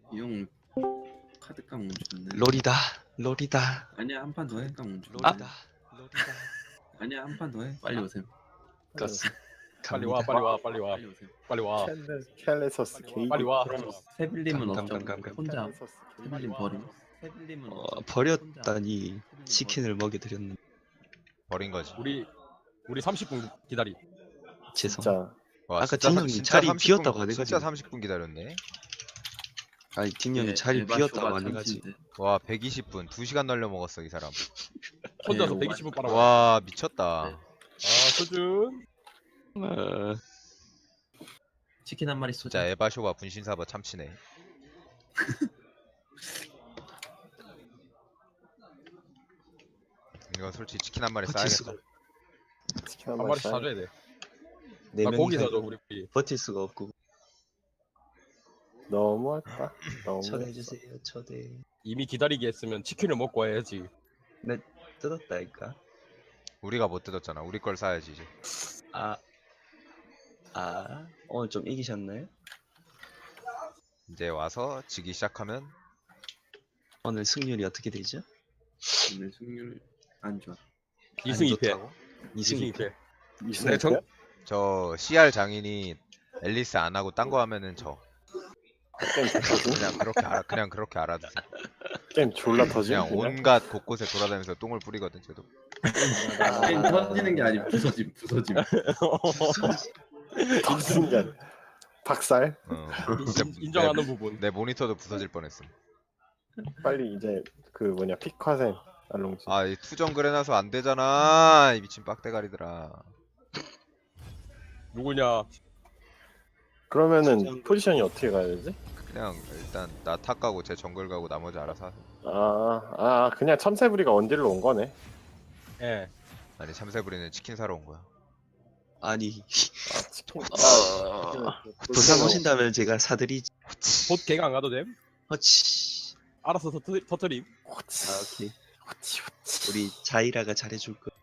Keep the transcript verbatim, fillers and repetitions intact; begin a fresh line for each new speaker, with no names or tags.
형 카드깡 멈췄네.
롤이다 롤이다
아니야 한 판 더 해. 깡 멈췄네.
롤이다 롤이다.
아니야 한 판 더 해. 빨리 오세요.
가스
빨리 와, 빨리 와, 빨리 와,
빨리 오세요.
빨리 와,
켈레서스 게이드.
빨리 와.
그럼 세빌님은
감,
없죠.
감, 감, 감.
혼자
켈레서스 게이드.
세빌님 버림. 세빌님은
어,
없죠.
버렸다니
혼자.
치킨을 먹여드렸는데
버린 거지.
우리 우리 삼십 분 기다리.
죄송.
진짜
와,
아까
진짜
딘
사-
형이
진짜
자리
삼십 분,
비었다고 안
진짜
해가지고.
삼십 분 기다렸네.
아니 딘 형이
예,
자리
에바
비었다고
쇼가
안 해가지고.
참치인데.
와, 백이십 분, 두 시간 날려 먹었어 이 사람.
혼자서
네,
백이십 분 빨아. 와,
와, 미쳤다.
네.
아, 수준.
어,
치킨 한 마리 쏘자.
진짜 에바쇼바 분신사바 참치네. 이거 솔직히 치킨 한 마리
버틸 수가
싸야겠다.
치킨
한
한
마리씩
마리
사줘야 돼.
네
나 고기
명이서
사줘 우리.
버틸 수가 없고.
너무했다. 너무.
초대해주세요 초대.
이미 기다리게 했으면 치킨을 먹고 와야지.
네 뜯었다니까.
우리가 못 뜯었잖아. 우리 걸 사야지 이제.
아, 아 오늘 좀 이기셨나요?
이제 와서 지기 시작하면
오늘 승률이 어떻게 되죠?
오늘 승률 안 좋아.
이 승 이 패.
좋다고?
이 승
이승
이
이
패.
패.
이승
네, 정-
저 씨알 장인이 앨리스 안 하고 딴 거 하면은 저
게임 터지?
그냥 그렇게 알아 그냥 그렇게 알아두세요.
게임 졸라 터지?
그냥 온갖 곳곳에 돌아다니면서 똥을 뿌리거든 쟤도.
게임 터지는 게 아니고 부서짐 부서짐.
터지는 게 아니야. 박살?
어.
인- 인정하는 부분.
내 모니터도 부서질 뻔했음.
빨리 이제 그 뭐냐 피카센 알롱지.
아, 이 투정글 해놔서 안 되잖아. 이 미친 빡대가리들아.
누구냐?
그러면은 포지션이 어떻게 가야 되지?
그냥 일단 나 탑 가고 제 정글 가고 나머지 알아서 하세요.
아, 아 그냥 참새부리가 원딜로 온 거네.
예.
아니 참새부리는 치킨 사러 온 거야.
아니
아, 치킨.
어, 부산 오신다면 제가 사드리지.
봇 개가 안 가도 됨?
허치.
알아서 터트, 터트림.
호치,
아 오케이.
호치, 호치.
우리 자이라가 잘해줄 거.